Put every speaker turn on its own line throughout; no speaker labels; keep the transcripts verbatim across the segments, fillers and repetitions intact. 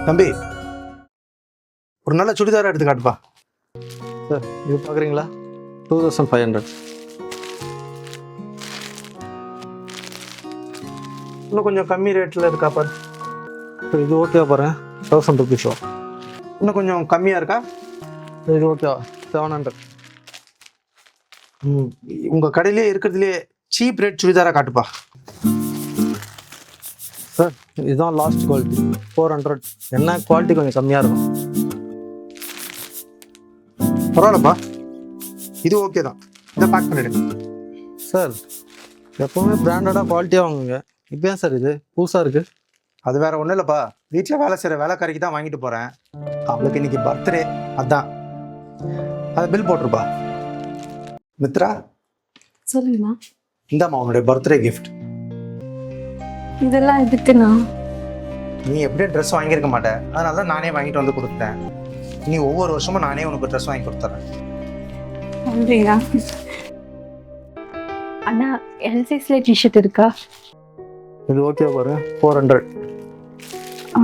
தம்பி ஒரு நல்ல சுடிதாரா எடுத்து காட்டுப்பா.
சார் இது பார்க்குறீங்களா? Two thousand five hundred.
இன்னும் கொஞ்சம் கம்மி ரேட்டில் இருக்கா பாரு.
சார் இது ஓகேவா பாருங்க, தௌசண்ட் ருபீஸோ.
இன்னும் கொஞ்சம் கம்மியாக இருக்கா?
இது ஓகேவா, செவன் ஹண்ட்ரட்.
ம் உங்கள் கடையிலே இருக்கிறதுலே சீப் ரேட் சுடிதாரா காட்டுப்பா.
சார் இதுதான் லாஸ்ட் குவாலிட்டி, ஃபோர் ஹண்ட்ரட். என்ன குவாலிட்டி கொஞ்சம் கம்மியாக இருக்கும்.
பரவாயில்லப்பா, இது ஓகே தான். இதை பேக் பண்ணிடுங்க.
சார் எப்போவுமே பிராண்டடாக குவாலிட்டியாக வாங்குங்க. இப்போ ஏன் சார் இது புதுசாக இருக்குது?
அது வேற ஒன்றும் இல்லைப்பா, வீட்டில் வேலை செய்கிற வேலைக்காரிக்கு தான் வாங்கிட்டு போகிறேன். அவளுக்கு இன்னைக்கு பர்த்டே, அதான். அதை பில் போட்டிருப்பா. மித்ரா,
சொல்லுங்கண்ணா.
இந்தாம்மா உன்னுடைய பர்த்டே கிஃப்ட்.
இதெல்லாம் எதுக்குண்ணா?
நீ எப்படியும் ட்ரெஸ் வாங்கியிருக்க மாட்டேன், அதனால தான் நானே வாங்கிட்டு வந்து கொடுத்துட்டேன். நீ ஒவ்வொரு வருஷமும் நானே உனக்கு ட்ரெஸ் வாங்கி கொடுத்துட்றேன்.
நன்றிண்ணா. அண்ணா எல் சைஸ்ல டிஷர்ட் இருக்கா?
இது ஓகே பாருங்க, ஃபோர் ஹண்ட்ரட்.
ஆ.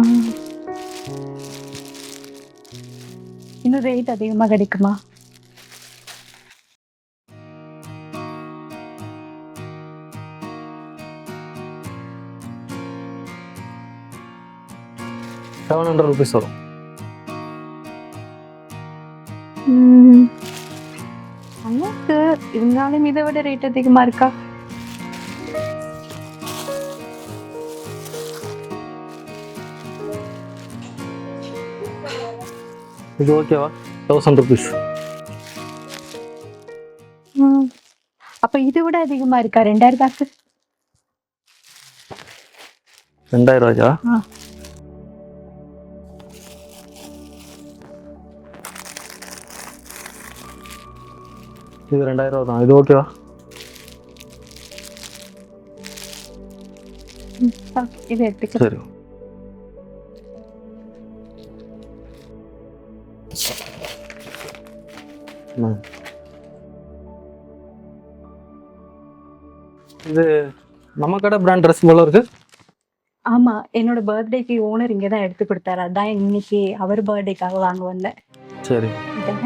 இன்னும் ரேட் அதிகமாக கிடைக்குமா?
செவன் ஹண்ட்ரட் ருபீஸ் வரும்.
ம். அண்ணாக்கு இருந்தாலும் இதை விட ரேட் அதிகமா இருக்கா?
இது ஓகேவா, தௌசண்ட் ருபீஸ்.
ம். அப்ப இதை விட அதிகமா இருக்கா? ரெண்டாயிரம் ரூபாய்க்கு.
ரெண்டாயிரம் ரூபாயா?
ஆ.
இது ரெண்டாயிரம் ரூபா தான். இது ஓகேவா?
ம், ஆ, இதை எடுத்துக்க.
சரி. ம். இது நம்ம கடை பிராண்ட் ட்ரெஸ் போல இருக்கு.
ஆமா, என்னோட பர்த்டேக்கு ஓனர் இங்கே தான் எடுத்து கொடுத்தாரு. அதான் இன்னைக்கு அவர் பர்த்டேக்காக வாங்க வந்தேன்.
சரி,
இதானே?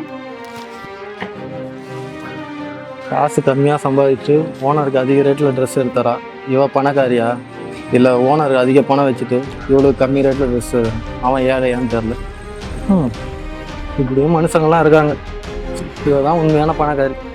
காசு கம்மியாக சம்பாதிச்சு ஓனருக்கு அதிக ரேட்டில் ட்ரெஸ் எடுத்தாரா? இவ பணக்காரியா இல்லை ஓனருக்கு அதிக பணம் வச்சுட்டு இவ்வளோ கம்மி ரேட்டில் ட்ரெஸ்ஸு அவன் ஏழையான்னு தெரில. ம் இப்படியும் மனுஷங்கள்லாம் இருக்காங்க. இவ தான் உண்மையான பணக்காரி.